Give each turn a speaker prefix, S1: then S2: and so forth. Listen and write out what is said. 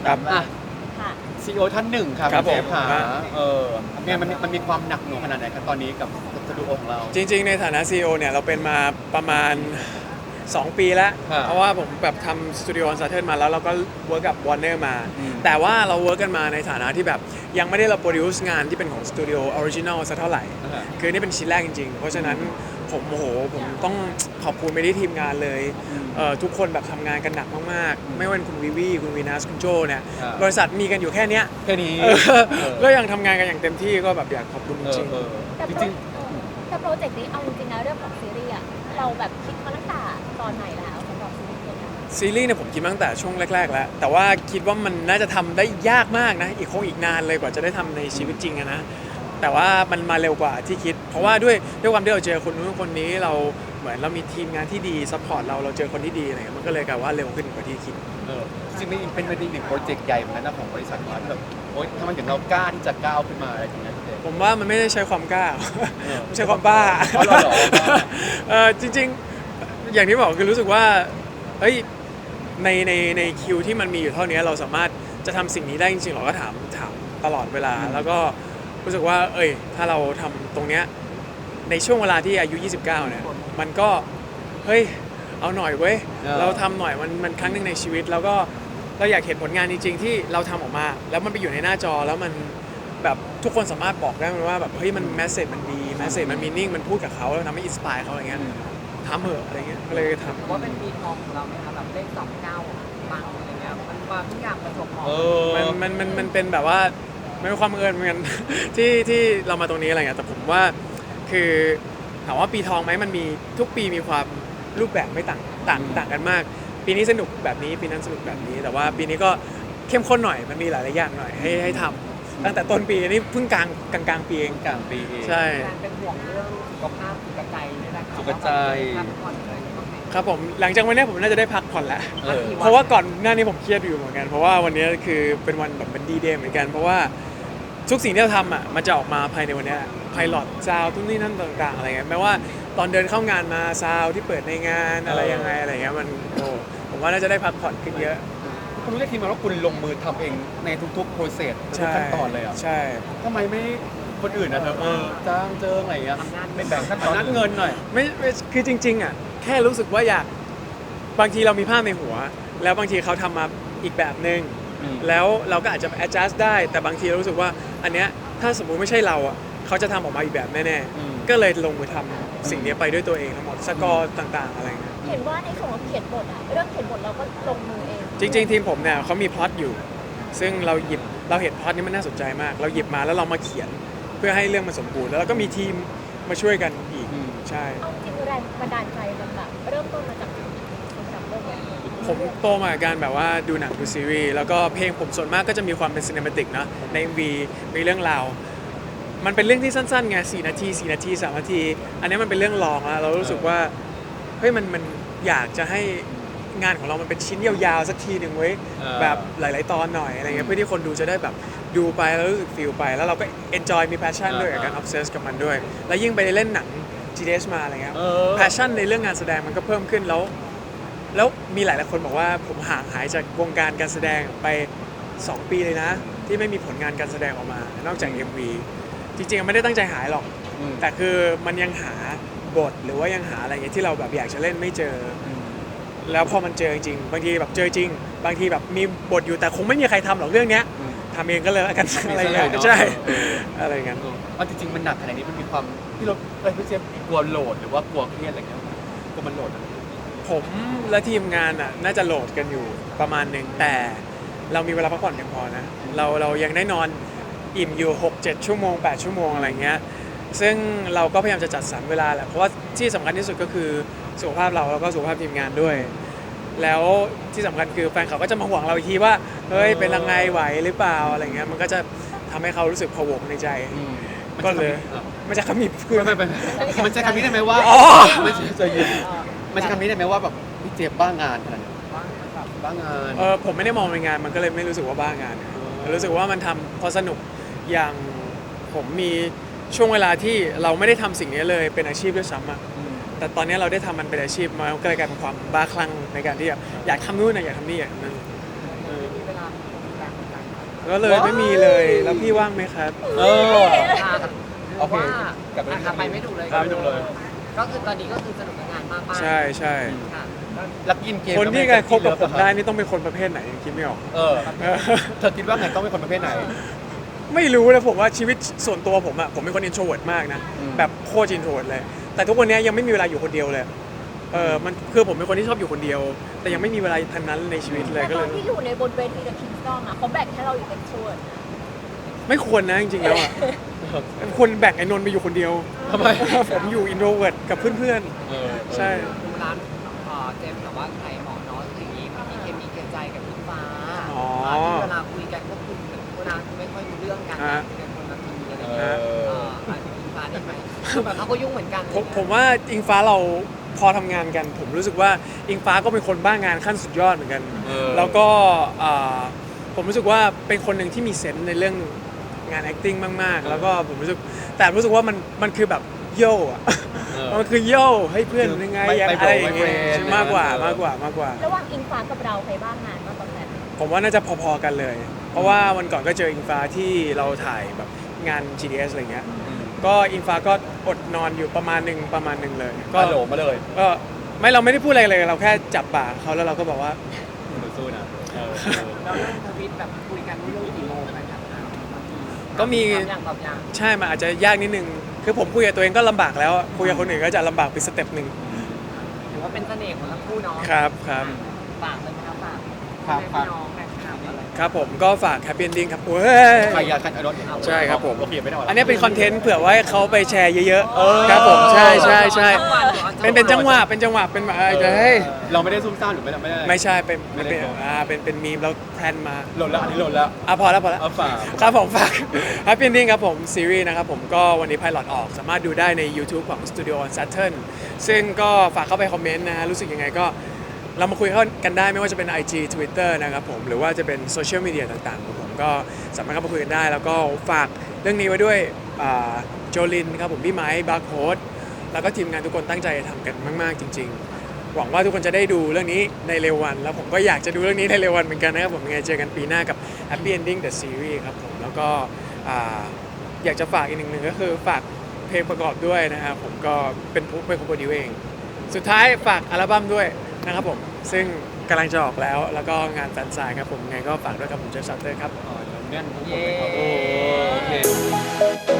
S1: ครับ
S2: อ่ะ
S3: ค่ะ
S2: CEO ท่านหนึ่งครับ
S1: ครับ
S2: เจฟ
S1: ผม
S2: ค่ะ
S1: ฮะ
S2: เนี่ยมันมีความหนักหน่วงขนาดไหนครับตอนนี้กับสตูดิโอของเรา
S1: จริงๆในฐานะ CEO เนี่ยเราเป็นมาประมาณ 2 ปีแล้ว
S2: ครับ
S1: เพราะว่าผมแบบทำสตูดิโอซัตเทิลมาแล้วเราก็เวิร์กกับวอร์เนอร์มา
S2: อืม
S1: แต่ว่าเราเวิร์กกันมาในฐานะที่แบบยังไม่ได้เราโปรดิวซ์งานที่เป็นของสตูดิโอออริจินอลสักเท่าไหร่ คือนี่เป็นชิ้นแรกจริงๆ เพราะฉะนั้นผมโอ้โหผมต้องขอบคุณไปที่ทีมงานเลยทุกคนแบบทำงานกันหนักมากๆ ไม่ว่าเป็นคุณวิวีคุณวีนัสคุณโจเนี่ย
S2: ครับ
S1: บริษัทมีกันอยู่แค่เนี้ย
S2: แค่นี้
S1: ก็ยังทำงานกันอย่างเต็มที่ก็แบบอยากขอบคุณจริงๆ
S3: แต่
S2: จ
S3: โปร
S2: ริง
S3: แต่โปรเจกต์นี้เอาจริงๆแล้วเรื่องของซีรีส์อะเราแบบคิดมาตั้งแต่ตอนไหนแล้วสำหรับซีรีส์ตัวนี้
S1: ซีรีส์เนี่ยผมคิดมาตั้งแต่ช่วงแรกๆแล้ว แต่ว่าคิดว่ามันน่าจะทำได้ยากมากนะ อีกนานเลยกว่าจะได้ทำในชีวิตจริงอะนะ แต่ว่ามันมาเร็วกว่าที่คิด เพราะว่าด้วยความที่เราเจอคนนู้นคนนี้เราเหมือนเรามีทีมงานที่ดีซัพพอร์ตเราเจอคนที่ดีอะไรเงี้ยมันก็เลยกลายว่าเร็วขึ้นกว่าที่คิด
S2: จริงๆเป็นอีกหนึ่งโปรเจกต์ใหญ่เหมือนกันนะของบริษัทเราที่แบบโอ๊ยทำไมถึงเรากล้าที่จะก้าวขึ้นมาอะไรอย่างเงี้ยพี่เจฟ
S1: ผมว่ามันไม่ได้ใช้ความกล้า ไม่ใช่ความบ้า
S2: อ๋อเหรอ
S1: จริงๆ อย่างที่บอกคือรู้สึกว่าเฮ้ยในคิวที่มันมีอยู่เท่านี้เราสามารถจะทำสิ่งนี้ได้จริงๆเราก็ถามตลอดเวลา แล้วก็รู้สึกว่าถ้าเราทำตรงเนี้ยในช่วงเวลาที่อายุ 29 เนี่ยมันก็เฮ้ยเอาหน่อยเว้ยเราทำหน่อยมันครั้งหนึ่งในชีวิต แล้วก็เราอยากเห็นผลงานจริงๆที่เราทำออกมา แล้วมันไปอยู่ในหน้าจอแล้วมันแบบทุกคนสามารถบอกได้มันว่าแบบเฮ้ยมันแมสเซจมันดีแมสเซจมันมีนิ่งมันพูดกับเขาแล้วทำให้อินสปายเขาอะไรเงี้ยทำเหอะอะไรเงี้ยก็เลยทำ
S4: ว่าเป็นปีทองของเราไหมคะแบบเลข29ปังอะไรเงี้ยมันมาทุกอย่างประจวบเหมาะ
S1: มันเป็นแบบว่าไม่เป็นความบังเอิญเหมือนกัน ที่เรามาตรงนี้อะไรเงี้ยแต่ผมว่าคือถามว่าปีทองไหมมันมีทุกปีมีความรูปแบบไม่ต่างกันมาก ปีนี้สนุกแบบนี้ปีนั้นสนุกแบบนี้ แต่ว่าปีนี้ก็เข้มข้นหน่อยมันมีหลายๆอย่างหน่อยให้ทำตั้งแต่ต้นปีนี่เพิ่งกลางปีเอง
S2: กลางปีเอง
S1: ใช่
S4: แฟนเป็นห่วงเรื่องสุขภาพสุขใจนี่แหละค่ะ
S2: สุขใจ
S4: พักผ่อนอะไรบ้างไหม
S1: ครับผมหลังจากวันนี้ผมน่าจะได้พักผ่อนแล้ว
S2: เออ
S1: เพราะว่าก่อนหน้านี้ผมเครียดอยู่เหมือนกัน เพราะว่าวันนี้คือเป็นวันแบบเป็นดีเดย์เหมือนกัน เพราะว่าทุกสิ่งที่เราทำอ่ะมันจะออกมาภายในวันนี้ไพลอตซาวทุกนี่นั่นต่างๆอะไรเงี้ยแม้ว่าตอนเดินเข้างานมาซาวที่เปิดในงานอะไรยังไงอะไรเงี้ยมันผมว่าน่าจะได้พักผ่อนขึ้นเยอะ
S2: คุณรู้ได้ทีมาว่าคุณลงมือทำเองในทุกๆโปรเซสทุก
S1: ใช่
S2: ขั้นตอนเลยอ่ะ
S1: ใช่
S2: ทำไมไม่คนอื่นนะเธอจ้างเจิงอะไรอย่างเงี้ย
S4: ทำงาน
S2: ไม่แบ่งขั้นตอนนัดเงินหน่อย
S1: ไม่คือจริงๆอ่ะแค่รู้สึกว่าอยากบางทีเรามีภาพในหัว แล้วบางทีเขาทำมาอีกแบบนึง
S2: อืม
S1: แล้วเราก็อาจจะ adjust ได้แต่บางทีเรารู้สึกว่าอันเนี้ยถ้าสมมุติไม่ใช่เราอ่ะเขาจะทำออกมาอีกแบบแน่ๆก็เลยลงมือทำสิ่งนี้ไปด้วยตัวเองทั้งหมดสกอร์ต่างๆอะไรเงี้ย
S3: เห็นว่าในส่วนของเขียนบทอะเรื่องเขียนบทเราก็ลงมือเอง
S1: จริงๆทีมผมเนี่ยเขามีพล็อตอยู่ ซึ่งเราเห็นพล็อตนี้มันน่าสนใจมาก เราหยิบมาแล้วเรามาเขียนเพื่อให้เรื่องมันสมบูรณ์แล้วเราก็มีทีมมาช่วยกันอีกใช่
S3: เอาจริงแรงบันดาลใจมันแบบเริ่มต้นมาจากสำหรับเรื่องนี้
S1: ผมโตมากับการแบบว่าดูหนังดูซีรีส์แล้วก็เพลงผมส่วนมากก็จะมีความเป็นซีนิเมติกนะใน MV มีเรื่องราวมันเป็นเรื่องที่สั้นๆไง4 นาที 4 นาที 3 นาที อันนี้มันเป็นเรื่องลองแล้วเรารู้สึกว่าเฮ้ยมันอยากจะให้งานของเรามันเป็นชิ้นยาวๆสักทีหนึ่งเว้ยแบบหลายๆตอนหน่อยอะไรเงี้ยเพื่อที่คนดูจะได้แบบดูไปแล้วรู้สึกฟีลไปแล้วเราก็ enjoy มี passion ด้วยกับการ obsess กับมันด้วย แล้วยิ่งไปเล่นหนัง GDS มาอะไรเงี้ย passion ในเรื่องงานแสดงมันก็เพิ่มขึ้นแล้วมีหลายๆคนบอกว่าผมห่างหายจากวงการการแสดงไป 2 ปีเลยนะ ที่ไม่มีผลงานการแสดงออกมา นอกจาก MV จริงๆไม่ได้ตั้งใจหายหรอก แต่คือมันยังหาบทหรือว่ายังหาอะไรเงี้ยที่เราแบบอยากจะเล่นไม่เจอแล้วพอมันเจอจริงบางทีแบบเจอจริง บางทีแบบมีบทอยู่แต่คงไม่มีใครทำหรอกเรื่องเนี้ยทำเองก็เลยแล้วกันอะไรเงี้ยใช่อะไรเงี้ย
S2: เอาจริงๆมันหนักขนาดนี้มันมีความที่เราพี่เจฟกลัวโหลดหรือว่ากลัวเครียดอะไรเงี้ยกลัวมันโหลดอะ
S1: ผมและทีมงานอ่ะน่าจะโหลดกันอยู่ประมาณหนึ่งแต่เรามีเวลาพักผ่อนเพียงพอนะเรายังได้นอนอิ่มอยู่ 6-7 ชั่วโมง 8 ชั่วโมงอะไรเงี้ยซึ่งเราก็พยายามจะจัดสรรเวลาแหละเพราะว่าที่สำคัญที่สุดก็คือสุขภาพเราแล้วก็สุขภาพทีมงานด้วย แล้วที่สำคัญคือแฟนเขาก็จะมาห่วงเราอีกทีว่าเฮ้ยเป็นยังไงไหวหรือเปล่าอะไรเงี้ยมันก็จะทำให้เขารู้สึกผวงในใจก็เลยไม่ใช่คำนี้คือ
S2: มันใช้คำนี้ได้ไหมว่า
S1: อ๋อ
S2: ไม่ใช่ใจเย็นมันใช้คำนี้ได้ไหมว่าแบบพี่เจฟบ้างานขนาดนี้บ้างาน
S1: ผมไม่ได้มองเป็นงานมันก็เลยไม่รู้สึกว่าบ้างานรู้สึกว่ามันทำเพราะสนุกอย่างผมมีช่วงเวลาที่เราไม่ได้ทำสิ่งนี้เลยเป็นอาชีพด้วยซ้ำอะแต่ตอนนี้เราได้ทำมันเป็นอาชีพมันก็เลยกลายเป็นความบ้าคลั่งในการที่อยากทำนู่นนะอยากทำนี่อย่างนั้น
S4: มีเวลาดูแล
S1: ก็เลยไม่มีเลย แล้วพี่ว่างไหมครับ
S2: เออ
S4: ค่ะ
S2: โอเค
S4: ว่าก
S2: ลับไป
S4: อ่ะไปไม่ถูกเลย
S2: กลับไปไม่ถูกเลย
S4: ก็คือตอนนี้ก็คือสนุกกับงานมากๆ
S1: ใช่ใช่
S4: ค่ะ
S2: ลักกินเกม
S1: คนที่จะคบกับผมได้นี่ต้องเป็นคนประเภทไหนยังคิดไม่ออก
S2: เออเธอคิดว่าไงต้องเป็นคนประเภทไหน
S1: ไม่รู้นะผมว่าชีวิตส่วนตัวผมอะผมเป็นคน introvert มากนะ
S2: อืม
S1: แบบโคตร introvert เลย แต่ทุกวันนี้ยังไม่มีเวลาอยู่คนเดียวเลยมันคือผมเป็นคนที่ชอบอยู่คนเดียว แต่ยังไม่มีเวลาทันนั้นในชีวิตเลย
S3: แต่
S1: ก็
S3: ต
S1: เล
S3: อน
S1: ย
S3: ที่อยู่ในบนเวทีกับคิงสตอมอะเขาแบ่งให้เราอยู่เป็นส่วน
S1: ไม่ควรนะจริงๆแล้วอะควรแบ่งไอ้นนท์ไปอยู่คนเดียว
S2: ทำไม
S1: ผมอยู่ introvert กับเพื่อน
S2: เออ
S1: ๆ ใช่
S4: ดูร้านเจมส์แต่ว่าใครเหมาะเนาะอย่างนี้มีเคมีเกรงใจกับพี่ฟ้า
S1: อ๋อ
S4: ที่เวลาคุยกันก็คุยแบบเวลาไม่ค่อยรู้เรื่องกัน
S1: ฮะ
S4: คุยกันคนละทีอะไร
S2: เอ
S4: เงี้ย
S2: อ
S4: อาจจะพี่ฟ้าได้ไหมคือแบบเขาก็ยุ่งเหมือนกัน
S1: ผมว่าอิงฟ้าเราพอทำงานกัน ผมรู้สึกว่าอิงฟ้าก็เป็นคนบ้างานขั้นสุดยอดเหมือนกัน
S2: เออ
S1: แล้วก็ผมรู้สึกว่าเป็นคนหนึ่งที่มีเซนส์ในเรื่องงาน acting มาก ๆ แล้วก็ผมรู้สึกว่ามันคือแบบโย่อะ
S2: เออ
S1: มันคือโย่ให้เพื่อน
S2: คือ
S1: ยังไง
S2: ไม่
S1: ยัง
S2: ไป
S1: อะไรอย่างเงี้ย
S2: ไปเฟรนด์
S1: มากกว่า
S2: เออ
S1: มากกว่า
S3: ระหว่างอิงฟ้ากับเราใครบ้างงานมากกว่ากัน
S1: ผมว่าน่าจะพอๆกันเลย เพราะว่าวันก่อนก็เจออิงฟ้าที่เราถ่ายแบบงาน GDS อะไรเงี้ย
S2: อืม
S1: ก็อิงฟ้าก็อดนอนอยู่ประมาณหนึ่งเลย
S2: ก็โหลมาเลย
S1: ก็เราไม่ได้พูดอะไรเลยเราแค่จับปากเขาแล้วเราก็บอกว่า
S2: หนูสู้นะเออ
S4: แล้วเรื่องทวิตแบบคุยกันเรื่องกี่โมงกันครับ
S1: ก็มี
S4: อย่างตอบอย่าง
S1: ใช่มันอาจจะยากนิดนึง คือผมคุยกับตัวเองก็ลำบากแล้วอะคุยกับคนอื่นก็จะลำบากไปสเต็ปหนึ่ง
S4: ถือว่าเป็นเสน่ห์ของทั้งคู่เนาะ
S1: ครับ
S4: ฝากเลยนะครับฝาก
S2: ครับ
S4: พี่น้องแฟนคลับอะไร
S1: ครับผมก็ฝาก Happy Ending ครับเว้ย
S2: ใครอยากคันรถ
S1: ใช่ครับผม
S2: โอเคไม่ได้หร
S1: อันนี้เป็นคอนเทนต์เผื่อไว้เขาไปแชร์เยอะ
S2: เออ
S1: ๆครับผมใช่เป็นจังหวะเป็นแบบเฮ้ย
S2: เราไม่ได้ซุ่มซ่ามหรือไม่ได้
S1: ไม่ใช่เป็น
S2: ไม่ได้บอก
S1: เป็นมีมแล้วแพลนมา
S2: โหลดแล้วอันนี้โหลดแล้ว
S1: พอแล้ว
S2: เอาฝาก
S1: ครับผมฝาก Happy Ending ครับผมซีรีส์นะครับผมก็วันนี้ไพลอตออกสามารถดูได้ใน YouTube ของ Studio on Saturn ซึ่งก็ฝากเข้าไปคอมเมนต์นะฮะรู้สึกยังไงก็เรามาคุยกันได้ไม่ว่าจะเป็น IG Twitter นะครับผมหรือว่าจะเป็นโซเชียลมีเดียต่างๆของผมก็สามารถเข้ามาคุยกันได้ แล้วก็ฝากเรื่องนี้ไว้ด้วยโจลินครับผมพี่ไม้บาร์โค้ดแล้วก็ทีมงานทุกคนตั้งใจทำกันมากๆจริง ๆ หวังว่าทุกคนจะได้ดูเรื่องนี้ในเร็ววัน แล้วผมก็อยากจะดูเรื่องนี้ในเร็ววันเหมือนกันนะครับผมยังไงเจอกันปีหน้ากับ Happy Ending the Series ครับผมแล้วก็อยากจะฝากอีกหนึ่งก็คือฝากเพลงประกอบด้วยนะครับผมก็เป็นผู้เป็นคนโปรดิวเอง สุดท้ายฝากอัลบั้มด้วยนะครับผมซึ่งกำลังจะออกแล้วก็งานแฟนไซน์ครับผมไงก็ฝากด้วยครับผมเจฟซัตเตอร์ครับ
S2: อ๋อเดี๋ยวแน่นทุกคน
S4: เย้
S2: เลยครับโอเค